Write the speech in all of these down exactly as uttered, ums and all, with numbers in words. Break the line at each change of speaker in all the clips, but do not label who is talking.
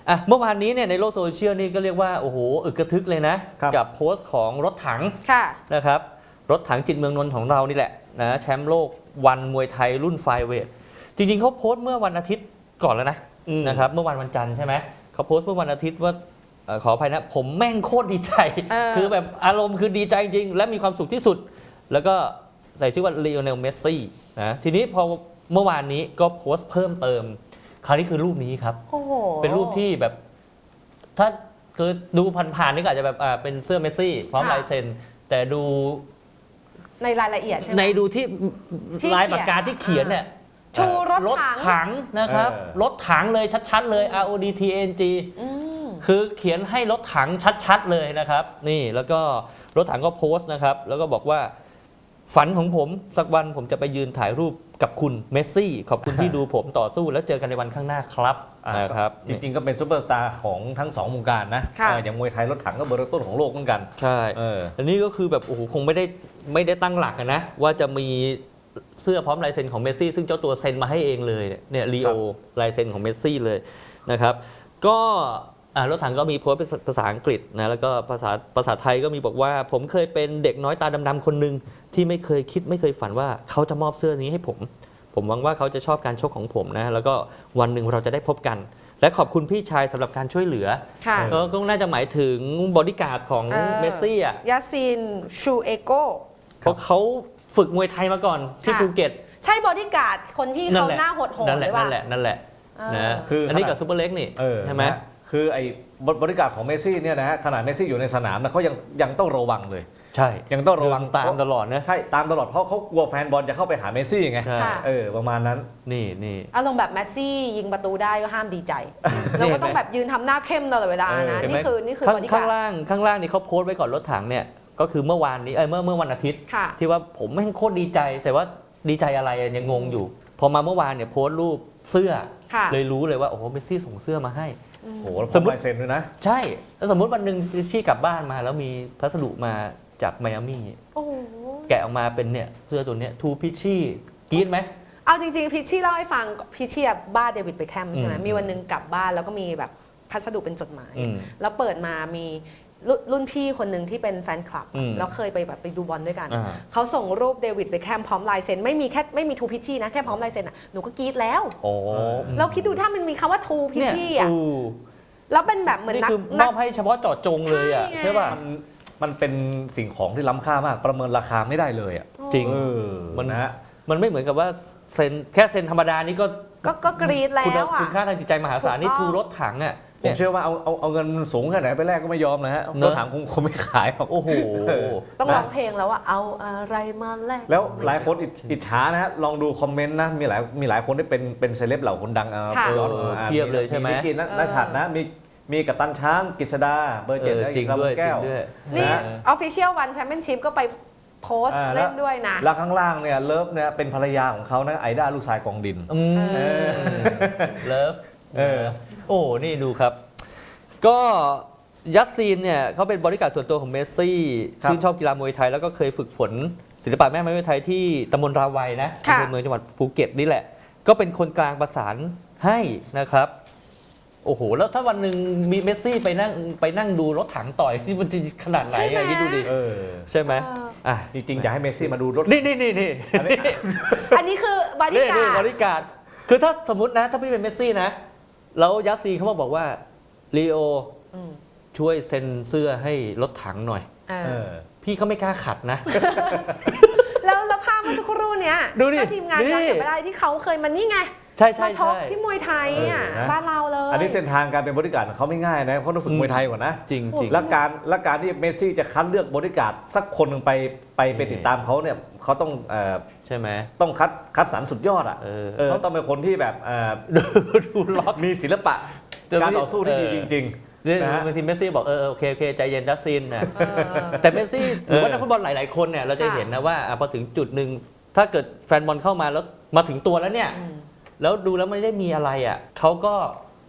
อ่ะเมื่อวานนี้เนี่ยในโลกโซเชียลนี่ก็เรียกว่าโอ้โหอึกกระทึกเลยนะกับโพสต์ของรถถังนะครับรถถังจิตเมืองนนท์ของเรานี่แหละนะแชมป์โลกวันมวยไทยรุ่นไฟเวทจริงๆเขาโพสต์เมื่อวันอาทิตย์ก่อนแล้วนะนะครับเมื่อวันวันจันทร์ใช่ไหมเขาโพสต์เมื่อวันอาทิตย์ว่าขออภัยนะผมแม่งโคตรดีใจคือแบบอารมณ์คือดีใจจริงและมีความสุขที่สุดแล้วก็ใส่ชื่อว่าลีโอเนลเมสซี่นะทีนี้พอเมื่อวานนี้ก็โพสต์เพิ่มเติมคราวนี้คือรูปนี้ครับเป็นรูปที่แบบถ้าคือดูผ่านๆนี่ก็อาจจะแบบอ่าเป็นเสื้อเมสซี่พร้อมลายเซ็นแต่ดู
ในรายละเอียดใช่ไหม
ในดูที่ลายปากกาที่เขียนเนี่ย
ชูรถ
ถังนะครับรถถังเลยชัดๆเลย อาร์ โอ ดี ที เอ็น จี คือเขียนให้รถถังชัดๆเลยนะครับนี่แล้วก็รถถังก็โพสต์นะครับแล้วก็บอกว่าฝันของผมสักวันผมจะไปยืนถ่ายรูปกับคุณเมสซี่ขอบคุณที่ดูผมต่อสู้แล้วเจอกันในวันข้างหน้าครับนะครับ
จริงๆก็เป็นซุปเปอร์สตาร์ของทั้งสองวงการนะอย่างมวยไทยรถถังก็เบอร์ต้นของโลกเหมือนกัน
ใช่อันนี้ก็คือแบบโอ้โหคงไม่ได้ไม่ได้ตั้งหลักนะว่าจะมีเสื้อพร้อมลายเซ็นของเมสซี่ซึ่งเจ้าตัวเซ็นมาให้เองเลยเนี่ยลีโอลายเซ็นของเมสซี่เลยนะครับก็รถถังก็มีโพสต์เป็นภาษาอังกฤษนะแล้วก็ภาษาภาษาไทยก็มีบอกว่าผมเคยเป็นเด็กน้อยตาดำๆคนหนึ่งที่ไม่เคยคิดไม่เคยฝันว่าเขาจะมอบเสื้อนี้ให้ผมผมหวังว่าเขาจะชอบการชกของผมนะแล้วก็วันหนึ่งเราจะได้พบกันและขอบคุณพี่ชายสำหรับการช่วยเหลือก็น่าจะหมายถึงบอดี้การ์ดของเมสซี่อ่ะ
ยาซินชูเอโก
เพราะเขาฝึกมวยไทยมาก่อนที่ภูเก็ต
ใช่บอดี้การ์ดคนที่เขาหน้าโหดๆ
หรือว่านั่นแหละนั่นแหละนะคืออันนี้กับซูเปอร์เล็กนี่ใช่ไหม
คือไอ้บริการของเมสซี่เนี่ยนะฮะขนาดเมสซี่อยู่ในสนามนะเขายังยังต้องระวังเลย
ใช่
ยังต้องระวัง
ตามตลอดนะ
ใช่ตามตลอดเพราะเขากลัวแฟนบอลจะเข้าไปหาเมสซี่ไงเออประมาณนั้น
นี่นี่
อารมณ์แบบเมสซี่ยิงประตูได้ก็ห้ามดีใจเราก็ต้องแบบยืนทำหน้าเข้มตลอดเวลานะนี่คือนี่คือบริการ
ข้างล่างข้างล่างนี่เขาโพสต์ไว้ก่อนรถถังเนี่ยก็คือเมื่อวานนี้เออเมื่อเมื่อวันอาทิตย์ที่ว่าผมไม่โคตรดีใจแต่ว่าดีใจอะไรยังงงอยู่พอมาเมื่อวานเนี่ยโพสต์รูปเสื้อเลยรู้เลยว่าโอ้โหเมสซี่ส่งเสื้อมาให้
โอ้โหสมมติเซ็นด้วยนะ
ใช่แล้วสมมติวันหนึ่งพิชชี่กลับบ้านมาแล้วมีพัสดุมาจากไมอามี่แกะออกมาเป็นเนี่ยเสื้อตัวเนี้ยทูพิชชี่กรี๊ดไหม
เอาจริงๆพิชชี่เล่าให้ฟังพิชชี่บ้าเดวิดเบคแฮมใช่ไหมมีวันหนึ่งกลับบ้านแล้วก็มีแบบพัสดุเป็นจดหมายแล้วเปิดมามีรุ่นพี่คนหนึ่งที่เป็นแฟนคลับแล้วเคยไปแบบไปดูบอลด้วยกันเขาส่งรูปเดวิดเบคแฮมพร้อมลายเซ็นไม่มีแค่ไม่มีทูพิชชี่นะแค่พร้อมลายเซ็นอ่ะหนูก็กรี๊ดแล้วแล้วคิดดูถ้ามันมีคำว่าทูพิชชี่อ่ะแล้วเป็นแบบเหมือนนัก
มอบให้เฉพาะเจาะจงเลยอ่ะใช่ป่ะ
มันมันเป็นสิ่งของที่ล้ำค่ามากประเมินราคาไม่ได้เลยอ่ะ
จริงมันนะมันไม่เหมือนกับว่าเซ็นแค่เซ็นธรรมดานี่ก็
ก็กรี๊ดแล้วอ่ะ
คุณค่าทางจิตใจมหาศาลนี่ทูรถถังอ่ะ
ผมเชื่อว่าเอาเอาเอาเงินสูงแค่ไหนไปแลกก็ไม่ยอมนะฮะรถถังคงคงไม่ขายหรอก
โอ้โห
ต้องร้องเพลงแล้วว่าเอาอะไรมาแลก
แล้วหลายคนอิจฉานะฮะลองดูคอมเมนต์นะมีหลายมีหลายคนที่เป็นเป็นเซเลบเหล่าคนดังอ่ะ
เพียบเลยใช่ไหม
มีกินนัชชัดนะมีมีกัปตันช้างกฤษดาเบอร์เจ็ดและอีกลำแก้ว
นี่ Official One Championship ก็ไปโพสต์เล่นด้วยนะ
แล้วข้างล่างเนี่ยเลิฟเนี่ยเป็นภรรยาของเขานะไอด้าลูกชายกองดิน
เลิฟโอ้นี่ดูครับก็ยัสซีนเนี่ยเขาเป็นบริการส่วนตัวของเมสซี่ชื่นชอบกีฬามวยไทยแล้วก็เคยฝึกฝนศิลปะแม่ไม้มวยไทยที่ตำบลราวัยนะในเมืองจังหวัดภูเก็ตนี่แหละก็เป็นคนกลางประสานให้นะครับโอ้โหแล้วถ้าวันหนึ่งมีเมสซี่ไปนั่งไปนั่งดูรถถังต่อยนี่มันจะขนาดไหนอ่ะคิดดูดิใช่ไหมอ่ะ
จริงๆอยากให้เมสซี่มาดูรถ
นี่นี่นี่นี่
อันนี้คือบริการ
บริการคือถ้าสมมตินะถ้าพี่เป็นเมสซี่นะแล้วยัสซีเขามาบอกว่าลีโอช่วยเซ็นเสื้อให้รถถังหน่อยพี่เขาไม่กล้าขัดนะ
แล้วแล้วภาพเมื่อสักครู่เนี้ยถ้าทีมงานย้อนกลับไปได้ที่เขาเคยมันนี่ไง
ใช่ใช่
มาชกที่มวยไทยอ่ะบ้านเราเลย
อันนี้เส้นทางการเป็นบริการเขาไม่ง่ายนะเพราะต้องฝึกมวยไทยก่อนนะ
จริงจริง
และการและการที่เมสซี่จะคัดเลือกบริการสักคนหนึ่งไปไปไปติดตามเขาเนี่ยเขาต้อง
ใช่ไหม
ต้องคัดคัดสรรสุดยอดอ่ะเขาต้องเป็นคนที่แบบ
ดูล็อก
มีศิลปะการต่อสู้ที่ดีจริง
ๆบางทีเมสซี่บอกเออโอเคโอเคใจเย็นดัสซินนะแต่เมสซี่หรือว่านักฟุตบอลหลายๆคนเนี่ยเราจะเห็นนะว่าพอถึงจุดหนึ่งถ้าเกิดแฟนบอลเข้ามาแล้วมาถึงตัวแล้วเนี่ยแล้วดูแล้วไม่ได้มีอะไรอ่ะเขาก็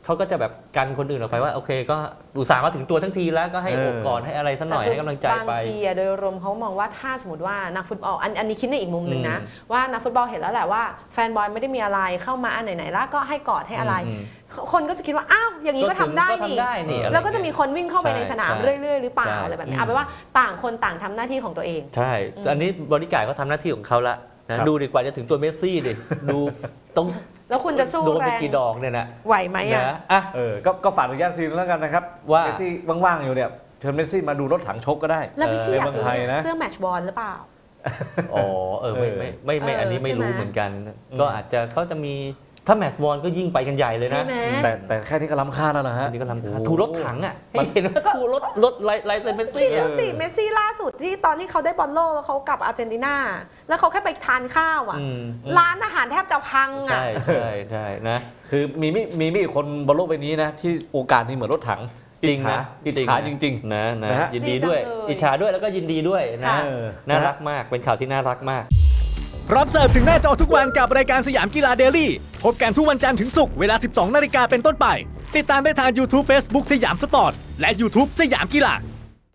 เขาก็จะแบบกันคนอื่นออกไปว่าโอเคก็อุตส่าห์มาถึงตัวทั้งทีแล้วก็ให้โอบกอดให้อะไรสักหน่อยให้กำลังใจไป
บางทีอะโดยรวมเขามองว่าถ้าสมมติว่านักฟุตบอลอันอันนี้คิดในอีกมุมหนึ่งนะว่านักฟุตบอลเห็นแล้วแหละว่าแฟนบอลไม่ได้มีอะไรเข้ามาอันไหนๆแล้วก็ให้กอดให้อะไรคนก็จะคิดว่าอ้าวอย่างนี้ก็ทำได้นี่แล้วก็จะมีคนวิ่งเข้าไปในสนามเรื่อยๆหรือเปล่าอะไรแบบนี้เอาเป็นว่าต่างคนต่างทำหน้าที่ของตัวเอง
ใช่อันนี้บริการเขาทำหน้าที่ของเขาละนะดูดีกว่าจะถึงตัวเมสซี่ดิดูต้อง
แล้วคุณจะสู้แรงโดน
ไปกี่ดอกเนี่ยนะ
ไหวไหมอ่ะ
อ่ะเออก็ก็ฝากถึงย่านซีนแล้วกันนะครับ
ว่า
เมสซี่ว่างๆอยู่เนี่ยเชิญเมสซี่มาดูรถถังชกก็ได้
แล้วพี่ชี้อยากรู้เสื้อแมตช์บอลหรือเปล่า
อ๋อเออไม่ไม่ไม่ไม่อันนี้ไม่รู้เหมือนกันก็อาจจะเขาจะมีถ้าแมตช์บอลก็ยิ่งไปกันใหญ่เลยนะ
แต่แต่แค่นี้ก็ล้ำค่าแล้วนะฮะ
นี่ก็ล้ำค่าถูรถถังอ่ะให้เห็นว่าถูรถรถไลไลเซนเมสซี่
คิดดูสิเมสซี่ล่าสุดที่ตอนที่เขาได้บอลโลกแล้วเขากลับอาร์เจนตินาแล้วเขาแค่ไปทานข้าวอ่ะร้านอาหารแทบจะพังอ่ะ
ใช่ใช่ใช่นะ
คือมีมีมีมีคนบนโลกใบนี้นะที่โอกาสนี้เหมือนรถถัง
จริงนะ
อิจฉาจริงๆ
นะนะยินดีด้วยอิจฉาด้วยแล้วก็ยินดีด้วยนะน่ารักมากเป็นข่าวที่น่ารักมาก
พร้อมเสิร์ฟถึงหน้าจอทุกวันกับรายการสยามกีฬาเดลี่พบกันทุกวันจันทร์ถึงศุกร์เวลา สิบสองนาฬิกาเป็นต้นไปติดตามได้ทาง YouTube Facebook สยามสปอร์ตและ YouTube สยามกีฬา